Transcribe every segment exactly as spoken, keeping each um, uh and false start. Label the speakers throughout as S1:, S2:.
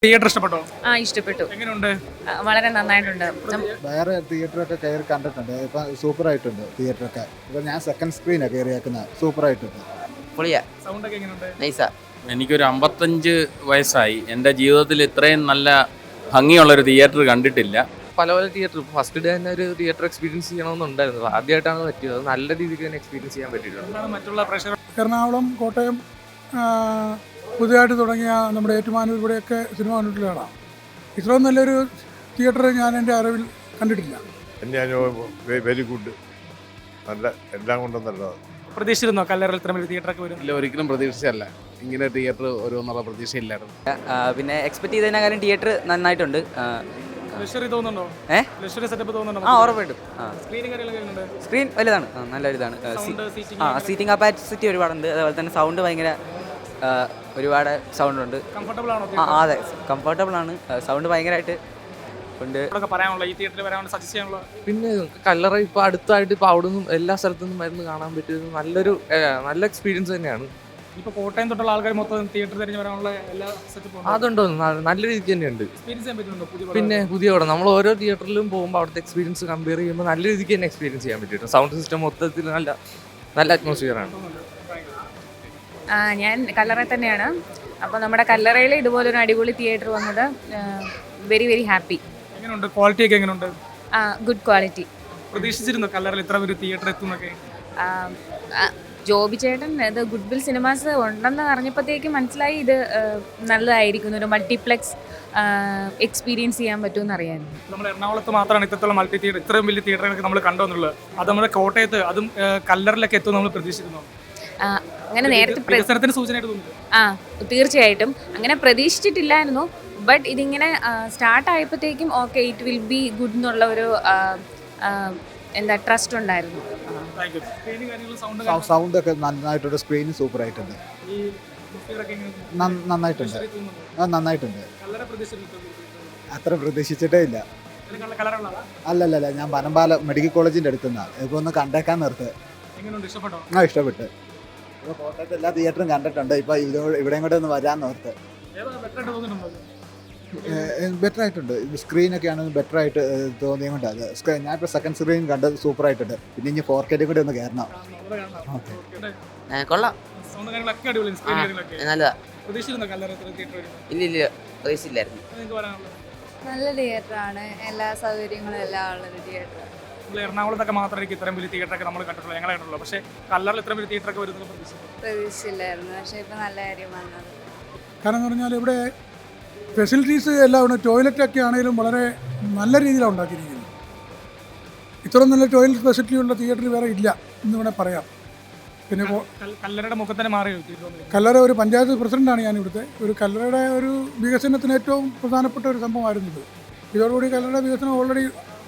S1: Theatre ഇഷ്ടപ്പെട്ടോ?
S2: ആ ഇഷ്ടപ്പെട്ടു.
S1: എങ്ങനെയുണ്ട്?
S2: ആ, വളരെ നന്നായിട്ടുണ്ട്. നം-
S3: വേറെ തിയേറ്ററൊക്കെ കയറി കണ്ടിട്ടുണ്ട്. ഇപ്പം സൂപ്പറായിട്ടുണ്ട് തിയേറ്ററൊക്കെ. ഇപ്പം ഞാൻ സെക്കൻഡ് സ്ക്രീനാണ് കയറിയേക്കുന്നത്. സൂപ്പറായിട്ടുണ്ട്.
S4: പൊളിയാ,
S1: സൗണ്ട് ഒക്കെ എങ്ങനെയുണ്ട്?
S4: നൈസാ.
S5: എനിക്കൊരു അമ്പത്തഞ്ച് വയസ്സായി. എൻ്റെ ജീവിതത്തിൽ ഇത്രയും നല്ല ഭംഗിയുള്ളൊരു തിയേറ്റർ കണ്ടിട്ടില്ല.
S6: പല പല തിയേറ്റർ ഫസ്റ്റ് ഡേ തന്നെ ഒരു തിയേറ്റർ എക്സ്പീരിയൻസ് ചെയ്യണമെന്നുണ്ടായിരുന്നു. ആദ്യമായിട്ടാണ് പറ്റിയത്. അത് നല്ല രീതിക്ക് തന്നെ എക്സ്പീരിയൻസ് ചെയ്യാൻ പറ്റിയിട്ടുണ്ട്.
S1: എന്താണ് മറ്റുള്ള പ്രേക്ഷകർ?
S7: എറണാകുളം, കോട്ടയം, ആ, പുതിയതായിട്ട് തുടങ്ങിയ നമ്മുടെ ഏറ്റുമാനൂർ ഇവിടെയൊക്കെ സിനിമ കണ്ടിട്ടുള്ള ആളാണ്. ഇത്രയും നല്ലൊരു തിയേറ്റർ ഞാൻ എൻ്റെ അറിവിൽ കണ്ടിട്ടില്ല.
S8: എൻ്റെ അനുഭവം വെരി ഗുഡ്, നല്ല എല്ലാം കൊണ്ടും നല്ലതാണ്.
S1: പ്രതീക്ഷിച്ചിരുന്നോ കല്ലറയിൽ ഇത്ര വലിയ തിയേറ്റർ ഒക്കെ വരും?
S9: ഇല്ല, ഒരിക്കലും പ്രതീക്ഷിച്ചല്ല. ഇങ്ങനെ തിയേറ്റർ വരുമെന്നുള്ള പ്രതീക്ഷയില്ലായിരുന്നു.
S4: പിന്നെ എക്സ്പെക്ട് ചെയ്തതിനേക്കാളും തിയേറ്റർ നന്നായിട്ടുണ്ട്.
S1: ലക്ഷറി തോന്നുന്നുണ്ടോ?
S4: ഏ
S1: ലക്ഷറി സെറ്റപ്പ് തോന്നുന്നുണ്ടോ?
S4: ആ ഉറപ്പായിട്ടും. ആ
S1: സ്ക്രീനിങ് കാര്യങ്ങളൊക്കെ എങ്ങനെയുണ്ട്?
S4: സ്ക്രീൻ വലുതാണ്, ആ, നല്ലൊരു ഇതാണ്.
S1: Sound, seating
S4: ആ സീറ്റിംഗ് കപ്പാസിറ്റി ഒരുപാടുണ്ട്. അതുപോലെ തന്നെ സൗണ്ട് ഭയങ്കര ആ, ഒരുപാട് സൗണ്ട് ഉണ്ട്.
S1: കംഫർട്ടബിൾ ആണോ?
S4: ആ ആ, അതെ, കംഫർട്ടബിൾ ആണ്. സൗണ്ട് ഭയങ്കരമായിട്ട് ഉണ്ട്.
S1: ഇതൊക്കെ പറയാനുള്ള ഈ തിയേറ്ററിൽ വരാനുള്ള സജസ്റ്റ് ചെയ്യാനുള്ള
S6: പിന്നെ കല്ലറ ഇപ്പോൾ അടുത്തായിട്ട് ഇപ്പോൾ അവിടെ നിന്നും എല്ലാ സ്ഥലത്തു നിന്നും മരുന്ന് കാണാൻ പറ്റിയത് നല്ലൊരു ഏ, നല്ല എക്സ്പീരിയൻസ് തന്നെയാണ്.
S1: ഇപ്പൊ കോട്ടയം തൊട്ടുള്ള ആൾക്കാർ മൊത്തം തിയേറ്റർ തിരിഞ്ഞ് വരാനുള്ള എല്ലാ സെറ്റപ്പും
S6: അതുണ്ടോ, ന- നല്ല രീതിക്ക് തന്നെയുണ്ട്.
S1: എക്സ്പീരിയൻസ് ചെയ്യാൻ പറ്റുന്നുണ്ടോ? പുതിയ
S6: പിന്നെ പുതിയ പടം നമ്മൾ ഓരോ തിയേറ്ററിലും പോകുമ്പോൾ അവിടുത്തെ എക്സ്പീരിയൻസ് കമ്പയർ ചെയ്യുമ്പോൾ നല്ല രീതിക്ക് തന്നെ എക്സ്പീരിയൻസ് ചെയ്യാൻ പറ്റിയിട്ടുണ്ട്. സൗണ്ട് സിസ്റ്റം മൊത്തത്തിൽ നല്ല നല്ല അറ്റ്മോസ്ഫിയറാണ്.
S2: ആ, ഞാൻ കല്ലറ തന്നെയാണ്. അപ്പോൾ നമ്മുടെ കല്ലറയിൽ ഇതുപോലൊരു അടിപൊളി തിയേറ്റർ വന്നത് വെരി വെരി ഹാപ്പി.
S1: എങ്ങനെയുണ്ട്? ക്വാളിറ്റി ഒക്കെ എങ്ങനെയുണ്ട്?
S2: Good quality.
S1: പ്രതീക്ഷിച്ചിരുന്നോ കല്ലറയിൽ ഇത്ര ഒരു തിയേറ്റർ എത്തുന്നൊക്കെ?
S2: ജോബി ചേട്ടൻ ഇത് ഗുഡ് വിൽ സിനിമാസ് ഉണ്ടെന്ന് അറിഞ്ഞപ്പോഴത്തേക്കും മനസ്സിലായി ഇത് ആ, നല്ലതായിരിക്കും, ഒരു മൾട്ടിപ്ലെക്സ് എക്സ്പീരിയൻസ് ചെയ്യാൻ പറ്റുമെന്ന് അറിയാമായിരുന്നു.
S1: നമ്മൾ എറണാകുളത്ത് മാത്രമാണ് ഇത്രത്തോളം മൾട്ടി തിയേറ്റർ, ഇത്രയും വലിയ തിയേറ്ററുകളൊക്കെ നമ്മൾ കണ്ടുവന്നുള്ളത്. അത് നമ്മുടെ കോട്ടയത്ത് അതും ആ, കല്ലറിലൊക്കെ എത്തും നമ്മൾ പ്രതീക്ഷിച്ചിരുന്നു.
S2: ആ, അങ്ങനെ നേരത്തെ പ്ര-
S1: വികസനത്തിന് സൂചനയായിട്ട് തോന്നുന്നു.
S2: ആ തീർച്ചയായിട്ടും അങ്ങനെ പ്രതീക്ഷിച്ചിട്ടില്ലായിരുന്നു. ബട്ട് ഇതിങ്ങനെ സ്റ്റാർട്ട് ആയപ്പോഴത്തേക്കും okay it will be good എന്നുള്ള ഒരു ആ, ആ, എന്താ ട്രസ്റ്റ് ഉണ്ടായിരുന്നു. ആ.
S1: Thank you. Screen കാര്യങ്ങളും sound
S3: സൗ-
S1: കാര്യങ്ങളും
S3: സൗണ്ടൊക്കെ നന്നായിട്ടുണ്ട്. സ്ക്രീന് സൂപ്പറായിട്ടുണ്ട്.
S1: ഈ atmosphere ഒക്കെ എങ്ങനെയുണ്ട്?
S3: നന്ന- നന്നായിട്ടുണ്ട്.
S1: ലക്ഷറി തോന്നുന്നുണ്ടോ?
S3: ആ, നന്നായിട്ടുണ്ട്.
S1: കല്ലറ പ്രതീക്ഷിച്ചിരുന്നോ?
S3: അത്ര പ്രതീക്ഷിച്ചിട്ടേ ഇല്ല.
S1: ഇതിന് കല്ലറയുള്ളതാ?
S3: അല്ലല്ലല്ല, ഞാൻ പനമ്പാല മെഡിക്കൽ കോളേജിൻ്റെ അടുത്തുനിന്നാണ്. ഇപ്പോൾ ഒന്ന് കണ്ടേക്കാൻ നിർത്ത്.
S1: എങ്ങനെയുണ്ട്? ഇഷ്ടപ്പെട്ടോ?
S3: ആ, ഇഷ്ടപ്പെട്ട്. ഇപ്പോൾ കോട്ടയത്ത് എല്ലാ തിയേറ്ററും കണ്ടിട്ടുണ്ട്. ഇപ്പോൾ ഇതോ ഇവിടെയും കൂടെ ഒന്ന് വരാൻ നിർത്ത്.
S1: ഏതാ better ആയിട്ട് തോന്നുന്നുണ്ടോ?
S3: ബെറ്റർ ആയിട്ടുണ്ട്. സ്ക്രീനൊക്കെ ആണെങ്കിൽ ബെറ്റർ ആയിട്ട് തോന്നിയത് കൊണ്ട് അത് സ്ക്രീൻ ഞാനിപ്പോൾ സെക്കൻഡ് സ്ക്രീൻ കണ്ടത് സൂപ്പറായിട്ടുണ്ട്. പിന്നെ ഇനി ഫോർ കെയിലും കൂടി ഒന്ന് കയറണം.
S1: അവിടെ കാണാം.
S3: ഓക്കെ.
S1: Okay.
S4: കൊള്ളാം,
S1: Sound കാര്യങ്ങളൊക്കെ അടിപൊളിയാണ്. Screen കാര്യങ്ങളൊക്കെ.
S4: നല്ലതാ.
S1: പ്രതീക്ഷിച്ചിരുന്നോ കല്ലറ ഇത്ര theatre വരും?
S4: ഇല്ല ഇല്ല, പ്രതീക്ഷിച്ചില്ലായിരുന്നു.
S1: അത് നിങ്ങൾക്ക് പറയാനുള്ളത്?
S10: നല്ല തിയേറ്ററാണ്, എല്ലാ സൗകര്യങ്ങളും എല്ലാം ഉള്ളൊരു തിയേറ്റർ.
S1: നമ്മൾ എറണാകുളത്തൊക്കെ മാത്രമായിരിക്കും ഇത്രയും വലിയ തിയേറ്ററൊക്കെ നമ്മൾ കണ്ടിട്ടുള്ളൂ, ഞങ്ങളെ കണ്ടിട്ടുള്ളൂ. പക്ഷേ കല്ലറിൽ ഇത്രയും വലിയ തിയേറ്ററൊക്കെ വരുന്നത് പ്രതീക്ഷിച്ചു.
S10: പ്രതീക്ഷിച്ചില്ലായിരുന്നു, പക്ഷേ ഇപ്പം നല്ല കാര്യം വന്നത്.
S7: കാരണം എന്ന് പറഞ്ഞാൽ ഇവിടെ ഫെസിലിറ്റീസ് എല്ലാം ഉണ്ട്. ടോയ്ലറ്റൊക്കെ ആണെങ്കിലും വളരെ നല്ല രീതിയിലാണ് ഉണ്ടാക്കിയിരിക്കുന്നത്. ഇത്രയും നല്ല ടോയ്ലറ്റ് ഫെസിലിറ്റി ഉള്ള തിയേറ്റർ വേറെ ഇല്ല എന്ന് വേണേൽ പറയാം. പിന്നെ കോ-
S1: കൽ- കല്ലറയുടെ മുഖത്തന്നെ മാറി theatre.
S7: കല്ലറ ഒരു പഞ്ചായത്ത് പ്രസിഡൻ്റാണ് ഞാൻ ഇവിടുത്തെ. ഒരു കല്ലറയുടെ ഒരു വികസനത്തിന് ഏറ്റവും പ്രധാനപ്പെട്ട ഒരു സംഭവമായിരുന്നു ഇത്. ഇതോടുകൂടി കല്ലറയുടെ വികസനം ഓൾറെഡി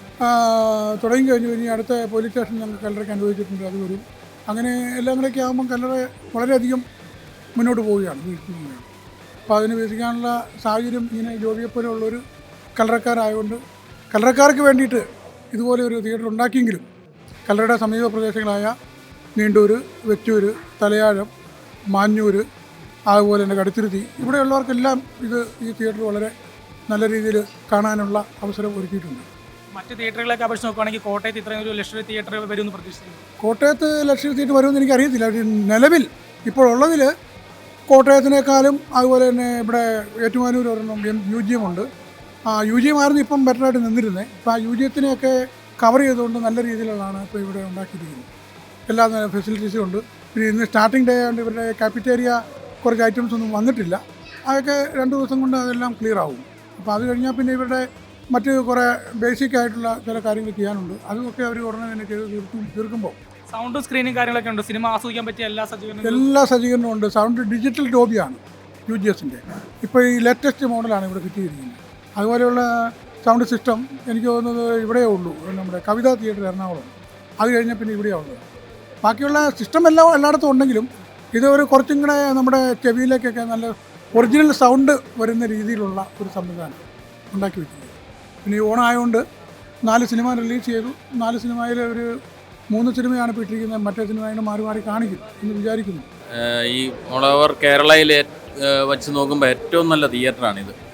S7: തുടങ്ങി കഴിഞ്ഞു. ഇനി അടുത്ത പോലീസ് സ്റ്റേഷൻ ഞങ്ങൾ കല്ലറയ്ക്ക് അനുവദിച്ചിട്ടുണ്ട്, അത് വരും. അങ്ങനെ എല്ലാം കൂടെയൊക്കെ ആകുമ്പം കല്ലറ വളരെയധികം മുന്നോട്ട് പോവുകയാണ്, വികസിക്കുകയാണ്. അപ്പോൾ അതിന് വികസിക്കാനുള്ള സാഹചര്യം ഇങ്ങനെ ജോബിയെപ്പോലുള്ളൊരു കല്ലറക്കാരായതുകൊണ്ട് കല്ലറക്കാർക്ക് വേണ്ടിയിട്ട് ഇതുപോലെ ഒരു തിയേറ്റർ ഉണ്ടാക്കിയെങ്കിലും കല്ലറയുടെ സമീപ പ്രദേശങ്ങളായ നീണ്ടൂർ, വെച്ചൂർ, തലയാഴം, മാഞ്ഞൂർ, അതുപോലെ തന്നെ കടുത്തുരുത്തി ഇവിടെയുള്ളവർക്കെല്ലാം ഇത് ഈ തിയേറ്റർ വളരെ നല്ല രീതിയിൽ കാണാനുള്ള അവസരം ഒരുക്കിയിട്ടുണ്ട്.
S1: മറ്റ് തിയേറ്ററുകളൊക്കെ അപേക്ഷിച്ച് നോക്കുകയാണെങ്കിൽ കോട്ടയത്ത് ഇത്രയും ഒരു ലക്ഷറി തിയേറ്റർ വരുമെന്ന് പ്രതീക്ഷിക്കുന്നു.
S7: കോട്ടയത്ത് ലക്ഷറി തിയേറ്റർ വരുമെന്ന് എനിക്കറിയത്തില്ല. പക്ഷേ നിലവിൽ ഇപ്പോൾ ഉള്ളതിൽ കോട്ടയത്തിനേക്കാളും അതുപോലെ തന്നെ ഇവിടെ ഏറ്റുമാനൂർ ഒരെണ്ണം എം യു ജി എം ഉണ്ട്. ആ യു ജി എം ആയിരുന്നു ഇപ്പം ബെറ്ററായിട്ട് നിന്നിരുന്നത്. ഇപ്പോൾ ആ യു ജി എത്തിനെയൊക്കെ കവർ ചെയ്തുകൊണ്ട് നല്ല രീതിയിലുള്ളതാണ് ഇപ്പോൾ ഇവിടെ ഉണ്ടാക്കിയിരിക്കുന്നത്. എല്ലാ ഫെസിലിറ്റീസും ഉണ്ട്. പിന്നെ ഇന്ന് സ്റ്റാർട്ടിംഗ് ഡേ ആയതുകൊണ്ട് ഇവരുടെ കാപ്പിറ്റേരിയ കുറച്ച് ഐറ്റംസ് ഒന്നും വന്നിട്ടില്ല. അതൊക്കെ രണ്ട് ദിവസം കൊണ്ട് അതെല്ലാം ക്ലിയർ ആവും. അപ്പോൾ അത് കഴിഞ്ഞാൽ പിന്നെ ഇവരുടെ മറ്റ് കുറേ ബേസിക് ആയിട്ടുള്ള ചില കാര്യങ്ങൾ ചെയ്യാനുണ്ട്. അതൊക്കെ അവർ ഉടനെ തന്നെ ചെയ്ത് തീർക്കും തീർക്കുമ്പോൾ
S1: സൗണ്ടും സ്ക്രീനും കാര്യങ്ങളൊക്കെ ഉണ്ട്. സിനിമ ആസ്വദിക്കാൻ പറ്റിയ എല്ലാ സജ്ജീകരണങ്ങളും
S7: എല്ലാ സജ്ജീകരണവും ഉണ്ട്. സൗണ്ട് ഡിജിറ്റൽ ഡോബിയാണ് യു ജി എസിൻ്റെ. ഇപ്പോൾ ഈ ലേറ്റസ്റ്റ് മോഡലാണ് ഇവിടെ കിട്ടിയിരിക്കുന്നത്. അതുപോലെയുള്ള സൗണ്ട് സിസ്റ്റം എനിക്ക് തോന്നുന്നത് ഇവിടെയേ ഉള്ളൂ, നമ്മുടെ കവിതാ തിയേറ്റർ എറണാകുളം. അത് കഴിഞ്ഞാൽ പിന്നെ ഇവിടെയാണ് ഉള്ളത്. ബാക്കിയുള്ള സിസ്റ്റം എല്ലാം എല്ലായിടത്തും ഉണ്ടെങ്കിലും ഇത് ഒരു കുറച്ചും കൂടെ നമ്മുടെ ചെവിയിലേക്കൊക്കെ നല്ല ഒറിജിനൽ സൗണ്ട് വരുന്ന രീതിയിലുള്ള ഒരു സംവിധാനം ഉണ്ടാക്കി വെക്കുന്നത്. പിന്നെ ഈ ഓണായതുകൊണ്ട് നാല് സിനിമ റിലീസ് ചെയ്തു. നാല് സിനിമയിൽ ഒരു മൂന്ന് സിനിമയാണ് ഇപ്പോൾ ഇട്ടിരിക്കുന്നത്. മറ്റേ സിനിമയാണ് മാറി മാറി കാണിക്കും എന്ന് വിചാരിക്കുന്നു.
S5: ഈ ഓൾ ഓവർ കേരളയിൽ വെച്ച് നോക്കുമ്പോൾ ഏറ്റവും നല്ല തിയേറ്ററാണിത്.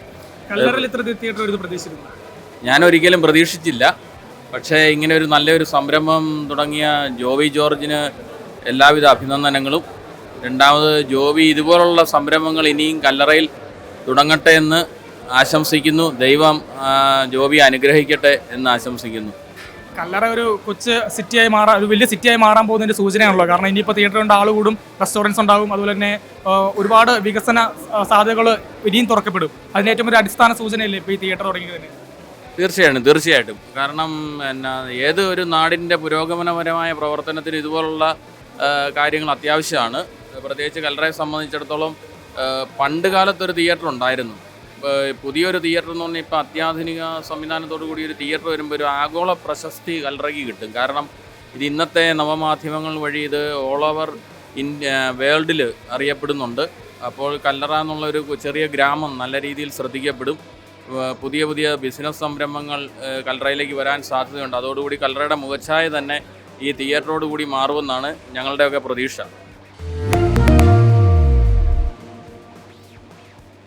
S1: കല്ലറയിൽ ഇത്ര തിയേറ്റർ ഒരു പ്രതീക്ഷിച്ചിരുന്നു?
S5: ഞാൻ ഒരിക്കലും പ്രതീക്ഷിച്ചില്ല. പക്ഷേ ഇങ്ങനെ ഒരു നല്ലൊരു സംരംഭം തുടങ്ങിയ ജോബി ജോർജിന് എല്ലാവിധ അഭിനന്ദനങ്ങളും. രണ്ടാമത് ജോബി ഇതുപോലുള്ള സംരംഭങ്ങൾ ഇനിയും കല്ലറയിൽ തുടങ്ങട്ടെ എന്ന് ആശംസിക്കുന്നു. ദൈവം ആ, ജോബി അനുഗ്രഹിക്കട്ടെ എന്ന് ആശംസിക്കുന്നു.
S1: കല്ലറ ഒരു കൊച്ചു സിറ്റിയായി മാറാൻ, ഒരു വലിയ സിറ്റിയായി മാറാൻ പോകുന്നതിൻ്റെ സൂചനയാണല്ലോ. കാരണം ഇനിയിപ്പോൾ തിയേറ്റർ കൊണ്ട് ആൾ കൂടും, റെസ്റ്റോറൻറ്റ്സ് ഉണ്ടാകും, അതുപോലെ തന്നെ ആ, ഒരുപാട് വികസന സാധ്യതകൾ ഇനിയും തുറക്കപ്പെടും. അതിന് ഏറ്റവും ഒരു അടിസ്ഥാന സൂചനയല്ലേ ഇപ്പോൾ ഈ തിയേറ്റർ തുടങ്ങിയതിന്?
S5: തീർച്ചയായിട്ടും തീർച്ചയായിട്ടും കാരണം എന്നാ ഏത് ഒരു നാടിൻ്റെ പുരോഗമനപരമായ പ്രവർത്തനത്തിന് ഇതുപോലുള്ള ആ, കാര്യങ്ങൾ അത്യാവശ്യമാണ്. പ്രത്യേകിച്ച് കല്ലറയെ സംബന്ധിച്ചിടത്തോളം ആ, പണ്ട് കാലത്തൊരു തിയേറ്റർ ഉണ്ടായിരുന്നു. ഇപ്പോൾ പുതിയൊരു തിയേറ്റർ എന്ന് പറഞ്ഞാൽ ഇപ്പോൾ അത്യാധുനിക സംവിധാനത്തോടു കൂടി ഒരു തിയേറ്റർ വരുമ്പോൾ ഒരു ആഗോള പ്രശസ്തി കല്ലറയ്ക്ക് കിട്ടും. കാരണം ഇത് ഇന്നത്തെ നവമാധ്യമങ്ങൾ വഴി ഇത് ഓൾ ഓവർ ഇന്ത്യ വേൾഡിൽ അറിയപ്പെടുന്നുണ്ട്. അപ്പോൾ കല്ലറ എന്നുള്ളൊരു ചെറിയ ഗ്രാമം നല്ല രീതിയിൽ ശ്രദ്ധിക്കപ്പെടും. ഏഹ് പുതിയ പുതിയ ബിസിനസ് സംരംഭങ്ങൾ ഏഹ് കല്ലറയിലേക്ക് വരാൻ സാധ്യതയുണ്ട്. അതോടുകൂടി കല്ലറയുടെ മുഖച്ഛായ തന്നെ ഈ തിയേറ്ററോട് കൂടി മാറുമെന്നാണ് ഞങ്ങളുടെയൊക്കെ പ്രതീക്ഷ.